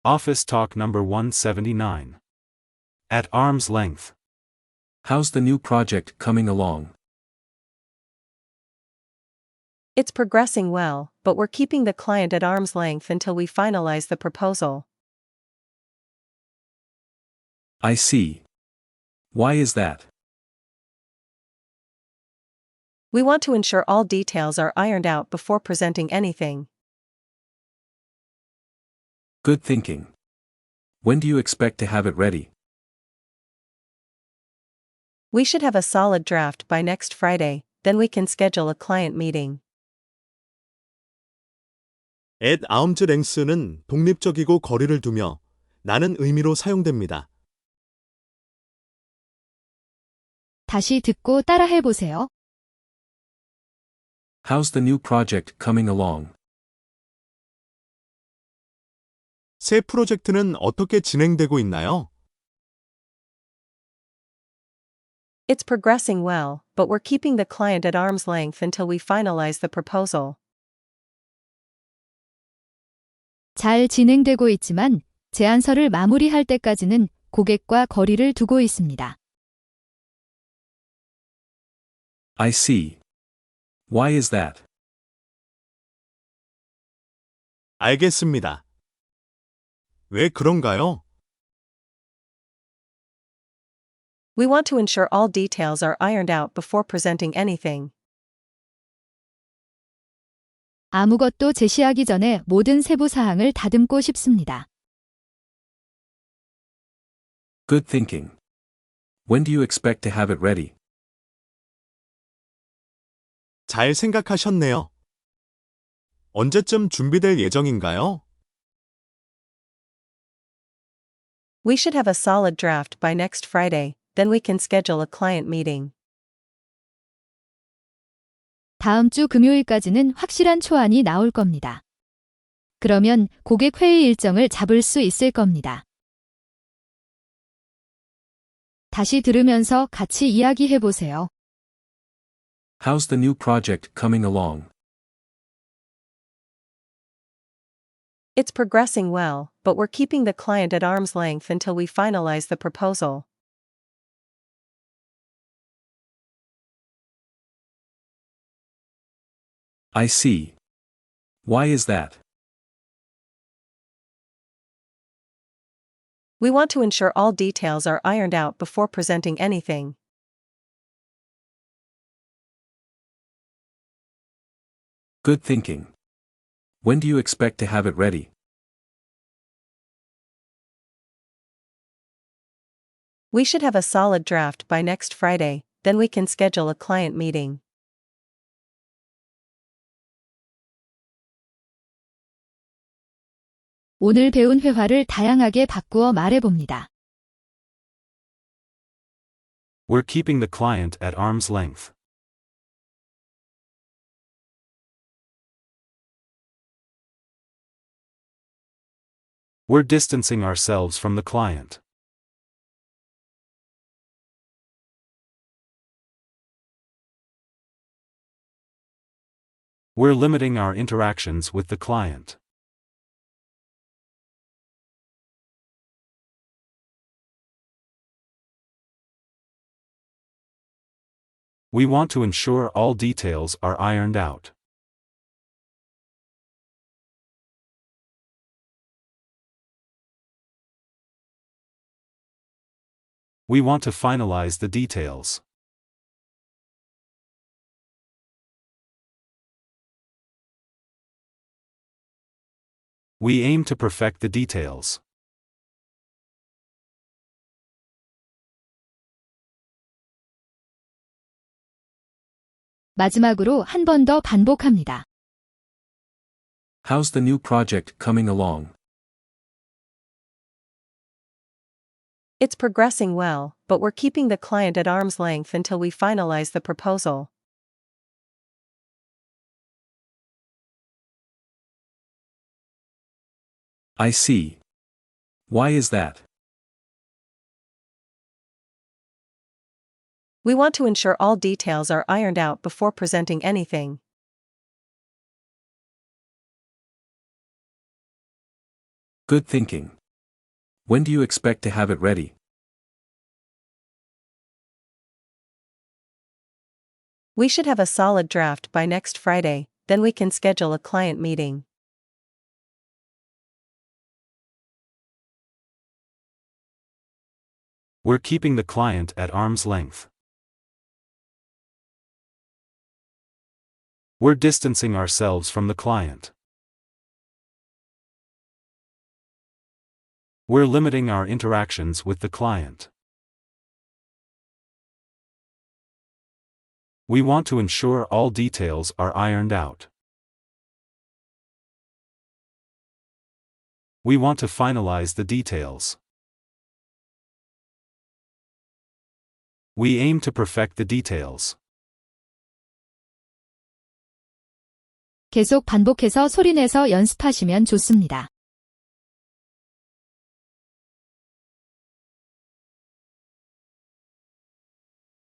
Office Talk number 179. At arm's length. How's the new project coming along? It's progressing well, but we're keeping the client at arm's length until we finalize the proposal. I see. Why is that? We want to ensure all details are ironed out before presenting anything. Good thinking. When do you expect to have it ready? We should have a solid draft by next Friday, then we can schedule a client meeting. at arm's length는 독립적이고 거리를 두며 라는 의미로 사용됩니다. 다시 듣고 따라해보세요. How's the new project coming along? 새 프로젝트는 어떻게 진행되고 있나요? It's progressing well, but we're keeping the client at arm's length until we finalize the proposal. 잘 진행되고 있지만 제안서를 마무리할 때까지는 고객과 거리를 두고 있습니다. I see. Why is that? 알겠습니다. 왜 그런가요? We want to ensure all details are ironed out before presenting anything. 아무것도 제시하기 전에 모든 세부 사항을 다듬고 싶습니다. Good thinking. When do you expect to have it ready? 잘 생각하셨네요. 언제쯤 준비될 예정인가요? We should have a solid draft by next Friday, then we can schedule a client meeting. 다음 주 금요일까지는 확실한 초안이 나올 겁니다. 그러면 고객 회의 일정을 잡을 수 있을 겁니다. 다시 들으면서 같이 이야기해보세요. How's the new project coming along? It's progressing well, but we're keeping the client at arm's length until we finalize the proposal. I see. Why is that? We want to ensure all details are ironed out before presenting anything. Good thinking. When do you expect to have it ready? We should have a solid draft by next Friday, then we can schedule a client meeting. 오늘 배운 회화를 다양하게 바꾸어 말해봅니다. We're keeping the client at arm's length. We're distancing ourselves from the client. We're limiting our interactions with the client. We want to ensure all details are ironed out. We want to finalize the details. We aim to perfect the details. 마지막으로 한 번 더 반복합니다. How's the new project coming along? It's progressing well, but we're keeping the client at arm's length until we finalize the proposal. I see. Why is that? We want to ensure all details are ironed out before presenting anything. Good thinking. When do you expect to have it ready? We should have a solid draft by next Friday, then we can schedule a client meeting. We're keeping the client at arm's length. We're distancing ourselves from the client. We're limiting our interactions with the client. We want to ensure all details are ironed out. We want to finalize the details. We aim to perfect the details. 계속 반복해서 소리내서 연습하시면 좋습니다.